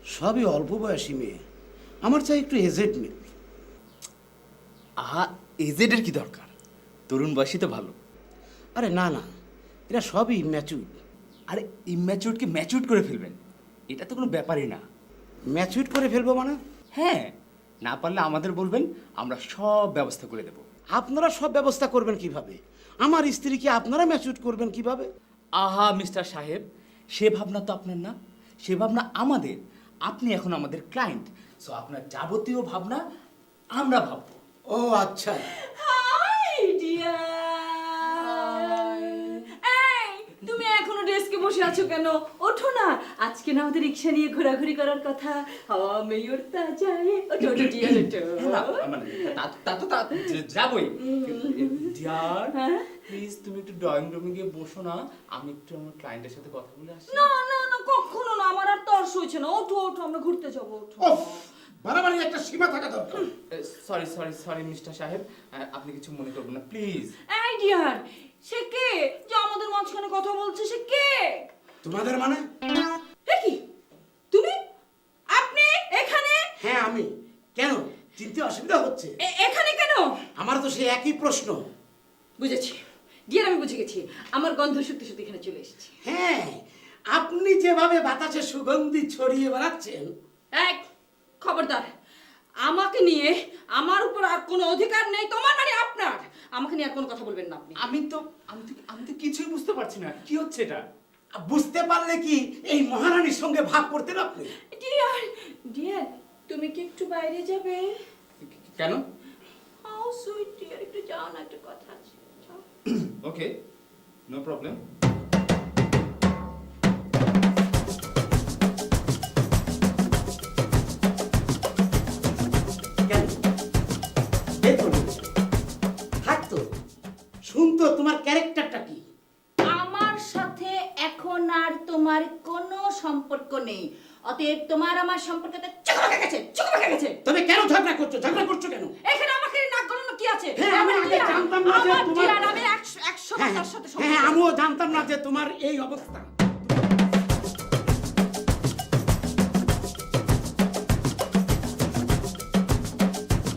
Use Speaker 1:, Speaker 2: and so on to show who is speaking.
Speaker 1: সবই অল্প বয়সী মেয়ে, আমার চাই একটু এজেড মেয়ে।
Speaker 2: আহা, এজেডের কি দরকার? তরুণ বয়সী তো ভালো।
Speaker 1: আরে না না, এরা সবই ম্যাচুর।
Speaker 2: আরে ইম্যাচিউরকে ম্যাচিউর করে ফেলবেন, এটা তো কোনো ব্যাপারই না।
Speaker 1: ম্যাচুর করে ফেলবো মানে?
Speaker 2: হ্যাঁ, না পারলে আমাদের বলবেন, আমরা সব ব্যবস্থা করে দেব।
Speaker 1: আপনারা সব ব্যবস্থা করবেন কিভাবে? আমার স্ত্রীকে আপনারা ম্যাচুর করবেন কিভাবে?
Speaker 2: আহা মিস্টার সাহেব, সে ভাবনা তো আপনার না, সে ভাবনা আমাদের। আপনি এখন আমাদের ক্লায়েন্ট, সো আপনার যাবতীয় ভাবনা আমরা ভাববো।
Speaker 1: ও আচ্ছা।
Speaker 3: হাই ডিয়ার, এই তুমি এখনো ডেস্কে বসে আছো কেন? ওঠো না, আজকে না আমাদের রিক্সা নিয়ে ঘোরাঘুরি করার কথা। হাওয়া মেয়ে উড়তা যায়, ওঠো ওঠো ডিয়ার ওঠো।
Speaker 2: না, মানে তা যাবই। ডিয়ার,
Speaker 3: হ্যাঁ?
Speaker 2: প্লিজ তুমি একটু ড্রয়িং রুমে গিয়ে বসো না, আমি একটু আমার ক্লায়েন্টের সাথে কথা বলে আসি।
Speaker 3: না না না, কখনো না, আমার আর তর্স হয়েছে না। ওঠো ওঠো, আমরা ঘুরতে যাবো, ওঠো।
Speaker 1: বাড়াবাড়ি একটা সীমা থাকা দরকার।
Speaker 2: সরি সরি সরি মিস্টার সাহেব, আপনি কিছু মনে করবেন না প্লিজ।
Speaker 3: এই ডিয়ার, সে কে যে আমাদের মাঝখানে কথা বলছে? সে কে?
Speaker 1: তোমাদের মানে?
Speaker 3: এ কি তুমি? আপনি এখানে?
Speaker 1: হ্যাঁ আমি। কেন, চিনতে অসুবিধা হচ্ছে?
Speaker 3: এখানে কেন?
Speaker 1: আমার তো সেই একই প্রশ্ন।
Speaker 3: বুঝেছি ডিয়ার, আমি বুঝে গেছি। আমার গন্ধ সত্যি সত্যি এখানে চলে এসেছি।
Speaker 1: হ্যাঁ, আপনি যেভাবে বাতাসে সুগন্ধি ছড়িয়ে বেড়াচ্ছেন।
Speaker 3: এক খবরদার, আমাকে নিয়ে আমার উপর আর কোনো অধিকার নেই তোমার, মানে আপনার। আমাকে নিয়ে আর কোনো কথা বলবেন না আপনি।
Speaker 2: আমি তো কিছুই বুঝতে পারছি না কি হচ্ছে এটা।
Speaker 1: বুঝতে পারলে কি এই মহারানীর সঙ্গে ভাগ করতেন আপনি?
Speaker 3: ডিয়ার ডিয়ার, তুমি কি একটু বাইরে যাবে?
Speaker 2: কেন?
Speaker 3: হাউ সুইট ডিয়ার, একটু যাও না, একটু কথা আছে, যাও।
Speaker 2: Okay, no problem.
Speaker 1: কেন? দেখুন, থাকতো শুনতো তোমার ক্যারেক্টারটা কি।
Speaker 3: আমার সাথে এখন আর তোমার কোনো সম্পর্ক নেই, অতএব তোমার আমার সম্পর্কটা চকমকে গেছে, চকমকে গেছে।
Speaker 1: তবে কেন ঝগড়া করছো? ঝগড়া করছো কেন?
Speaker 3: এখানে আমাকে নাক গলানো কি আছে?
Speaker 1: হ্যাঁ, আমি আগে জানতাম না যে
Speaker 3: আমার
Speaker 1: তোমার-
Speaker 3: ডিয়ার, আমি 100
Speaker 1: হ্যাঁ
Speaker 3: তার সাথে
Speaker 1: হ্যাঁ,
Speaker 3: সম্পর্ক।
Speaker 1: আমিও জানতাম না যে তোমার এই অবস্থা।